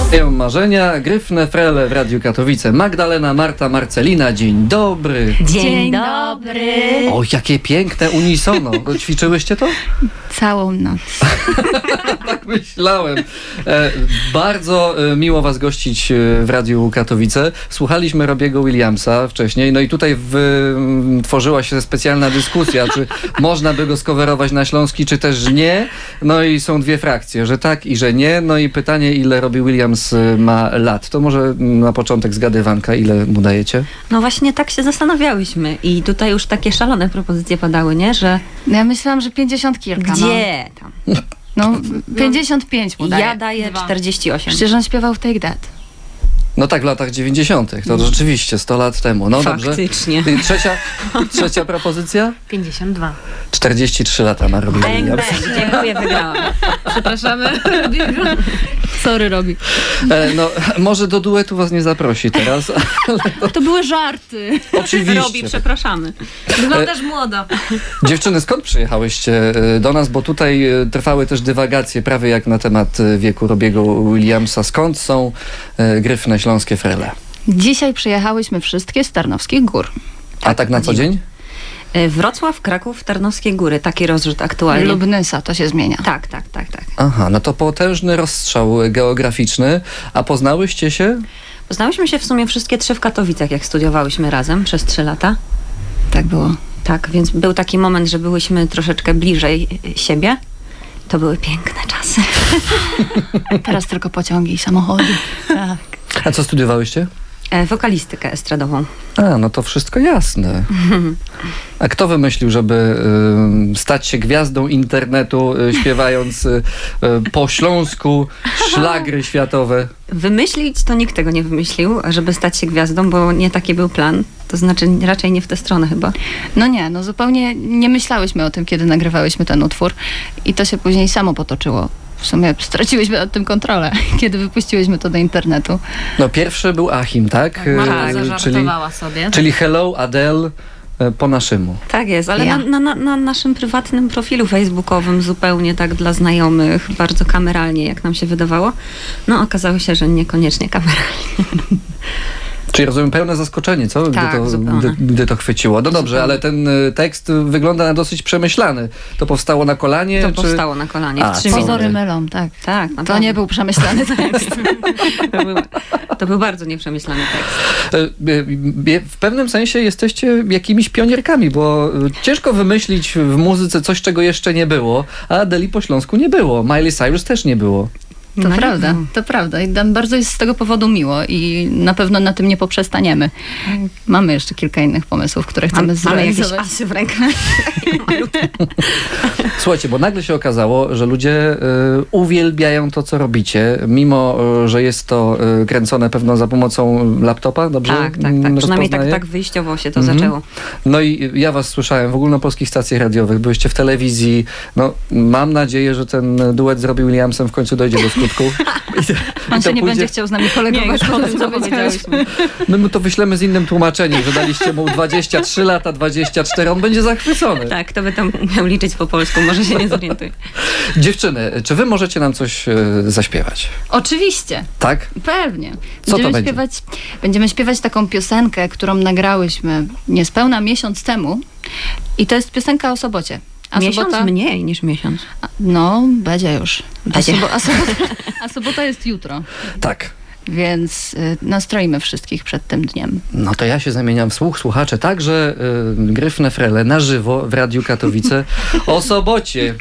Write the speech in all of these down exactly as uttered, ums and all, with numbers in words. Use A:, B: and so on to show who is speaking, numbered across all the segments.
A: Spełniają marzenia, Gryfne Frele w Radiu Katowice. Magdalena, Marta, Marcelina, dzień dobry.
B: Dzień,
C: Dzień
B: dobry.
A: O, jakie piękne unisono. Ćwiczyłyście to?
C: Całą noc.
A: Tak myślałem. E, bardzo e, miło was gościć e, w Radiu Katowice. Słuchaliśmy Robiego Williamsa wcześniej, no i tutaj w, m, tworzyła się specjalna dyskusja, czy można by go skowerować na śląski, czy też nie. No i są dwie frakcje, że tak i że nie. No i pytanie, ile Robbie Williams e, ma lat? To może na początek zgadywanka, ile mu dajecie?
B: No właśnie tak się zastanawiałyśmy i tutaj już takie szalone propozycje padały, nie? Że
C: No ja myślałam, że pięćdziesiąt kilka.
B: gdzie tam?
C: No, no pięćdziesiąt pięć mu daje.
B: Ja daję czterdzieści osiem.
C: Przecież on śpiewał w Take That.
A: No tak, w latach dziewięćdziesiątych. To rzeczywiście sto lat temu. No
B: Faktycznie.
A: dobrze. I Trzecia, trzecia propozycja?
D: pięćdziesiąt dwa.
A: czterdzieści trzy lata ma Robbie
B: Bang,
A: Williams.
B: bang. Dziękuję, wygrałam.
D: Przepraszamy.
C: Sorry, Robi.
A: E, no, może do duetu was nie zaprosi teraz.
C: To były żarty.
A: Oczywiście.
B: Robi, przepraszamy.
D: Wyglądasz młodo.
A: Dziewczyny, skąd przyjechałyście e, do nas? Bo tutaj e, trwały też dywagacje prawie jak na temat e, wieku Robiego Williamsa. Skąd są e, Gryfne Śląskie Frele?
C: Dzisiaj przyjechałyśmy wszystkie z Tarnowskich Gór.
A: A tak na co dzień?
B: Y, Wrocław, Kraków, Tarnowskie Góry. Taki rozrzut aktualnie.
C: Lubnysa, to się zmienia.
B: Tak, tak, tak, tak.
A: Aha, no to potężny rozstrzał geograficzny. A poznałyście się?
B: Poznałyśmy się w sumie wszystkie trzy w Katowicach, jak studiowałyśmy razem przez trzy lata.
C: Tak było.
B: Tak, więc był taki moment, że byłyśmy troszeczkę bliżej y, siebie. To były piękne czasy.
C: Teraz tylko pociągi i samochody. Tak.
A: A co studiowałyście?
B: E, wokalistykę estradową.
A: A, no to wszystko jasne. A kto wymyślił, żeby y, stać się gwiazdą internetu, y, śpiewając y, y, po śląsku szlagry światowe?
B: Wymyślić to nikt tego nie wymyślił, żeby stać się gwiazdą, bo nie taki był plan. To znaczy raczej nie w tę stronę chyba.
C: No nie, no zupełnie nie myślałyśmy o tym, kiedy nagrywałyśmy ten utwór i to się później samo potoczyło. W sumie straciłyśmy nad tym kontrolę, kiedy wypuściłyśmy to do internetu.
A: No pierwszy był Achim, tak?
D: Marta
A: Y, czyli,
D: zażartowała sobie.
A: czyli Hello Adele y, po naszemu.
B: Tak jest, ale
C: Ja.
B: na, na, na, na naszym prywatnym profilu facebookowym zupełnie tak dla znajomych, bardzo kameralnie, jak nam się wydawało. No okazało się, że niekoniecznie kameralnie.
A: Czyli rozumiem pełne zaskoczenie, co? Gdy,
B: Tak,
A: to,
B: zupełnie.
A: gdy, gdy to chwyciło. No dobrze,
B: Zupełnie.
A: ale ten y, tekst wygląda na dosyć przemyślany. To powstało na kolanie?
B: To
A: czy...
B: powstało na kolanie
A: A,
B: w trzy
A: co?
B: minuty.
C: Pozory mylą, tak.
B: Tak,
C: To
B: naprawdę.
C: nie był przemyślany tekst.
B: To był, to był bardzo nieprzemyślany tekst.
A: Y, y, y, W pewnym sensie jesteście jakimiś pionierkami, bo y, ciężko wymyślić w muzyce coś, czego jeszcze nie było, a Adeli po śląsku nie było. Miley Cyrus też nie było.
C: To
B: No nie
C: prawda,
B: wiem.
C: to prawda. I nam bardzo jest z tego powodu miło i na pewno na tym nie poprzestaniemy. Mamy jeszcze kilka innych pomysłów, które chcemy
B: Mam, mamy jakieś
C: zrealizować.
B: asy w rękach.
A: Słuchajcie, bo nagle się okazało, że ludzie y, uwielbiają to, co robicie, mimo, y, że jest to y, kręcone pewno za pomocą laptopa, dobrze?
B: Tak, tak, tak.
A: mm,
B: Przynajmniej tak,
A: rozpoznaję?
B: tak wyjściowo się to
A: Mhm.
B: zaczęło.
A: No i ja was słyszałem w ogólnopolskich stacjach radiowych, byłyście w telewizji. No, mam nadzieję, że ten duet z Robbie Williamsem w końcu dojdzie do skutku. I to,
C: On
A: i to
C: się nie
A: pójdzie-
C: będzie chciał z nami kolegować.
B: Nie,
C: po
B: już
C: tym,
B: po
C: co
B: tym, co
C: powiedziałyśmy.
A: My mu to wyślemy z innym tłumaczeniem, że daliście mu dwadzieścia trzy lata, dwadzieścia cztery, on będzie zachwycony.
B: Tak, kto by tam miał liczyć po polsku, może się nie zorientuje.
A: Dziewczyny, czy wy możecie nam coś e, zaśpiewać?
C: Oczywiście,
A: Tak?
C: pewnie.
A: Co to
C: Będziemy
A: będzie?
C: śpiewać, będziemy śpiewać taką piosenkę, którą nagrałyśmy niespełna miesiąc temu i to jest piosenka o sobocie. A
B: Miesiąc
C: sobota,
B: mniej niż miesiąc.
C: a- no, będzie już. A,
B: Będzie.
C: sobo, a, sobota, a sobota jest jutro,
A: Tak.
C: więc y, nastroimy wszystkich przed tym dniem.
A: No to ja się zamieniam w słuch, słuchacze, także y, Gryfne Frele na żywo w Radiu Katowice o sobocie.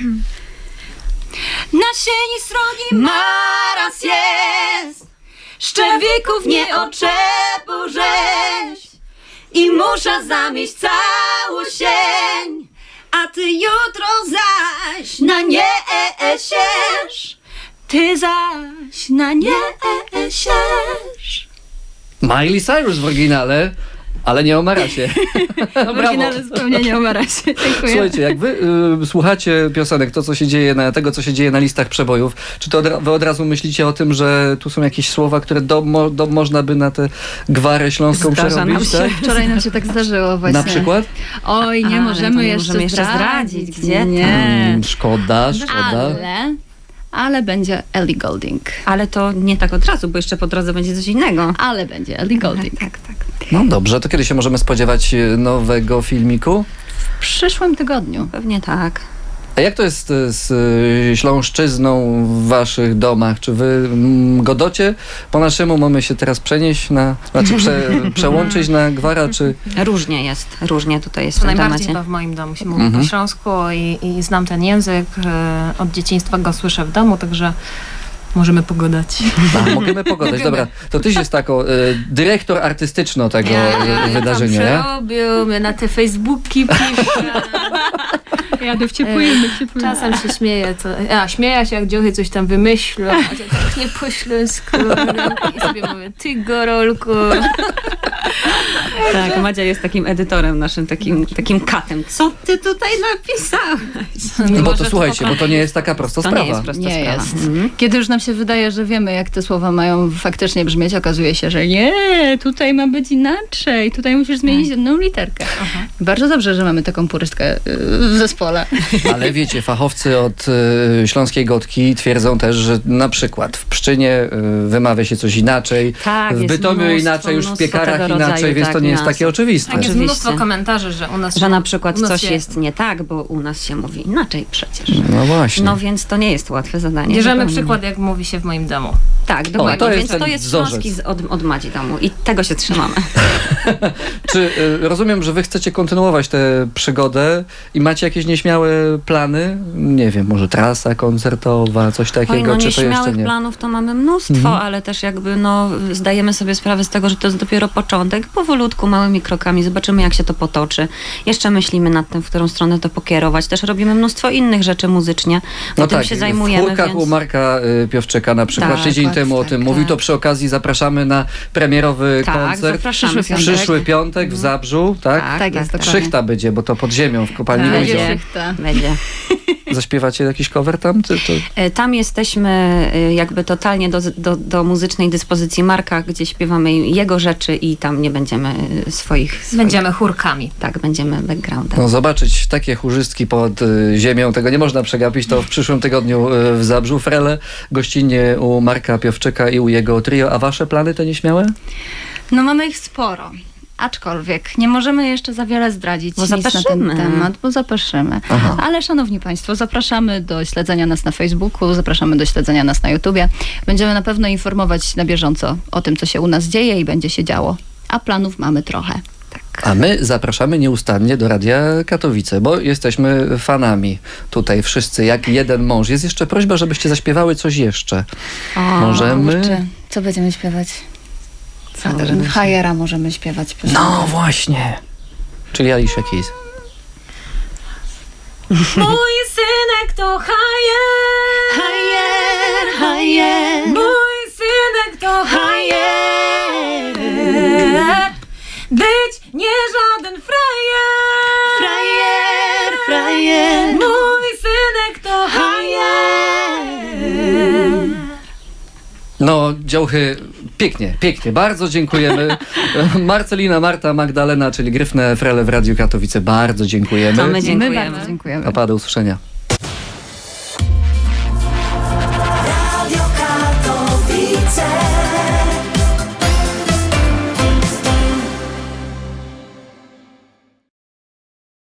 C: Na sieni srogi maraz jest, szczewików nie oczepu rzeź i muszę zamieść całą sień, a ty jutro zaś na nie siesz, ty zaś na nie siesz.
A: Miley Cyrus w oryginale, ale nie o Marasie.
C: W oryginale zupełnie nie o Marasie. Dziękuję.
A: Słuchajcie, jak wy y, słuchacie piosenek, to co się dzieje na, tego, co się dzieje na listach przebojów, czy to od, wy od razu myślicie o tym, że tu są jakieś słowa, które do, mo, do, można by na tę gwarę śląską
B: Zdarza nam
A: przerobić,
B: się.
A: tak?
C: Wczoraj nam się tak zdarzyło właśnie.
A: Na przykład?
C: Oj, nie
B: Ale
C: możemy
B: to nie
C: jeszcze
B: możemy jeszcze
C: zdradzić.
B: zdradzić. Gdzie tam?
C: Nie.
A: Mm, szkoda, szkoda.
C: Ale, ale będzie Ellie Goulding.
B: Ale to nie tak od razu, bo jeszcze po drodze będzie coś innego.
C: Ale będzie Ellie Goulding.
B: Tak, tak.
A: No dobrze, to kiedy się możemy spodziewać e, nowego filmiku?
C: W przyszłym tygodniu.
B: Pewnie tak.
A: A jak to jest e, z e, śląszczyzną w waszych domach? Czy wy mm, godocie po naszemu? Mamy się teraz przenieść na, znaczy prze, przełączyć na gwara, czy...
B: Różnie jest, różnie tutaj jest w
D: To
B: tym
D: najbardziej
B: temacie.
D: to w moim domu się mówi
A: Mhm.
D: po śląsku i, i znam ten język. e, Od dzieciństwa go słyszę w domu, także możemy pogadać.
A: A, możemy pogadać. Dobra, to tyś jest tako, e, dyrektor artystyczno tego e, wydarzenia, nie?
D: przerobił, mnie na te Facebooki pisze.
C: Jadę w
D: ciepły język, Czasem się śmieję, co, a śmieję się jak dziochy coś tam wymyślą, a to tak nie po śląsku i sobie mówię, ty gorolku.
B: Tak, Madzia jest takim edytorem naszym, takim, takim katem. Co ty tutaj napisałeś?
A: No bo
D: Może
A: to
D: to
A: słuchajcie, bo
D: poprawić.
A: to nie jest taka prosta
B: To
A: sprawa.
B: nie jest prosta
C: Nie
B: sprawa.
C: jest.
B: Mhm.
C: Kiedy już nam się wydaje, że wiemy, jak te słowa mają faktycznie brzmieć, okazuje się, że nie, tutaj ma być inaczej, tutaj musisz zmienić jedną literkę. Bardzo dobrze, że mamy taką purystkę y, w zespole.
A: Ale wiecie, fachowcy od y, śląskiej gotki twierdzą też, że na przykład w Pszczynie y, wymawia się coś inaczej,
B: Tak,
A: w
B: jest
A: Bytomiu
B: mnóstwo,
A: inaczej, już w
B: mnóstwo
A: piekarach
B: tego
A: inaczej,
B: rodzaju,
A: więc
B: tak,
A: to nie jest
B: niuansów.
A: takie oczywiste.
D: Tak, jest
B: Oczywiście.
D: mnóstwo komentarzy, że u nas
B: Że
D: się-
B: na przykład
D: u nas
B: coś
D: się
B: jest nie tak, bo u nas się mówi inaczej przecież.
A: No właśnie.
B: No więc to nie jest łatwe zadanie.
D: Bierzemy
B: zupełnie.
D: przykład, jak mówi się w moim domu.
B: Tak, dokładnie.
A: to jest
B: Więc
A: ten
B: to jest
A: wzorzec.
B: śląski z- od, od Madzi domu i tego się trzymamy.
A: Czy y, rozumiem, że wy chcecie kontynuować tę przygodę i macie jakieś nieśmiałe plany? Nie wiem, może trasa koncertowa, coś takiego,
B: Oj, no
A: czy to jeszcze
B: nieśmiałych
A: nie?
B: planów to mamy mnóstwo,
A: Mhm.
B: ale też jakby no zdajemy sobie sprawę z tego, że to jest dopiero początek. Powolutku, małymi krokami zobaczymy, jak się to potoczy. Jeszcze myślimy nad tym, w którą stronę to pokierować. Też robimy mnóstwo innych rzeczy muzycznie.
A: No
B: tym
A: tak,
B: się
A: w
B: zajmujemy,
A: chórkach
B: więc...
A: u Marka y, Piowczyka na przykład
B: Tak,
A: tydzień
B: tak,
A: temu o
B: tak,
A: tym
B: tak.
A: mówił, to przy okazji zapraszamy na premierowy
B: Tak,
A: koncert.
B: zapraszamy.
C: Przyszły
A: W
C: piątek.
A: przyszły piątek w Zabrzu, tak?
B: Tak,
C: Tak jest,
B: tak,
C: dokładnie.
A: Szychta będzie, bo to pod ziemią w kopalni
D: Tak.
A: Luizio.
B: Będzie.
C: Szychta.
B: Będzie.
A: Zaśpiewacie jakiś cover tam? Czy to...
B: E, Tam jesteśmy e, jakby totalnie do, do, do muzycznej dyspozycji Marka, gdzie śpiewamy jego rzeczy i tam nie będziemy e, swoich... swoich
D: Będziemy chórkami.
B: Tak, będziemy backgroundem.
A: No zobaczyć takie chórzystki pod y, ziemią, tego nie można przegapić, to w przyszłym tygodniu y, w Zabrzu. Frele, gościnnie u Marka Piowczyka i u jego trio. A wasze plany to nieśmiałe?
C: No mamy ich sporo. Aczkolwiek nie możemy jeszcze za wiele zdradzić
B: Bo
C: nic na ten
B: zapeszymy.
C: temat, bo zapeszymy.
A: Aha.
C: Ale szanowni państwo, zapraszamy do śledzenia nas na Facebooku, zapraszamy do śledzenia nas na YouTubie. Będziemy na pewno informować na bieżąco o tym, co się u nas dzieje i będzie się działo. A planów mamy trochę.
A: A my zapraszamy nieustannie do Radia Katowice, bo jesteśmy fanami tutaj wszyscy, jak jeden mąż. Jest jeszcze prośba, żebyście zaśpiewały coś jeszcze.
B: O,
A: Możemy?
C: Kurczę, co będziemy śpiewać?
B: Co możemy śpiewać?
C: Hajera możemy śpiewać. piosenkę.
A: No właśnie. Czyli Alicia Keys.
D: Mój synek to hajer.
C: Hajer, hajer.
D: Mój synek to hajer. Być nie żaden frajer.
C: Frajer, frajer.
D: Mój synek to hajer.
A: No, działchy, pięknie, pięknie. Bardzo dziękujemy. Marcelina, Marta, Magdalena, czyli Gryfne Frele w Radiu Katowice. Bardzo dziękujemy.
B: To my
C: My
B: dziękujemy.
C: bardzo dziękujemy.
A: A do usłyszenia.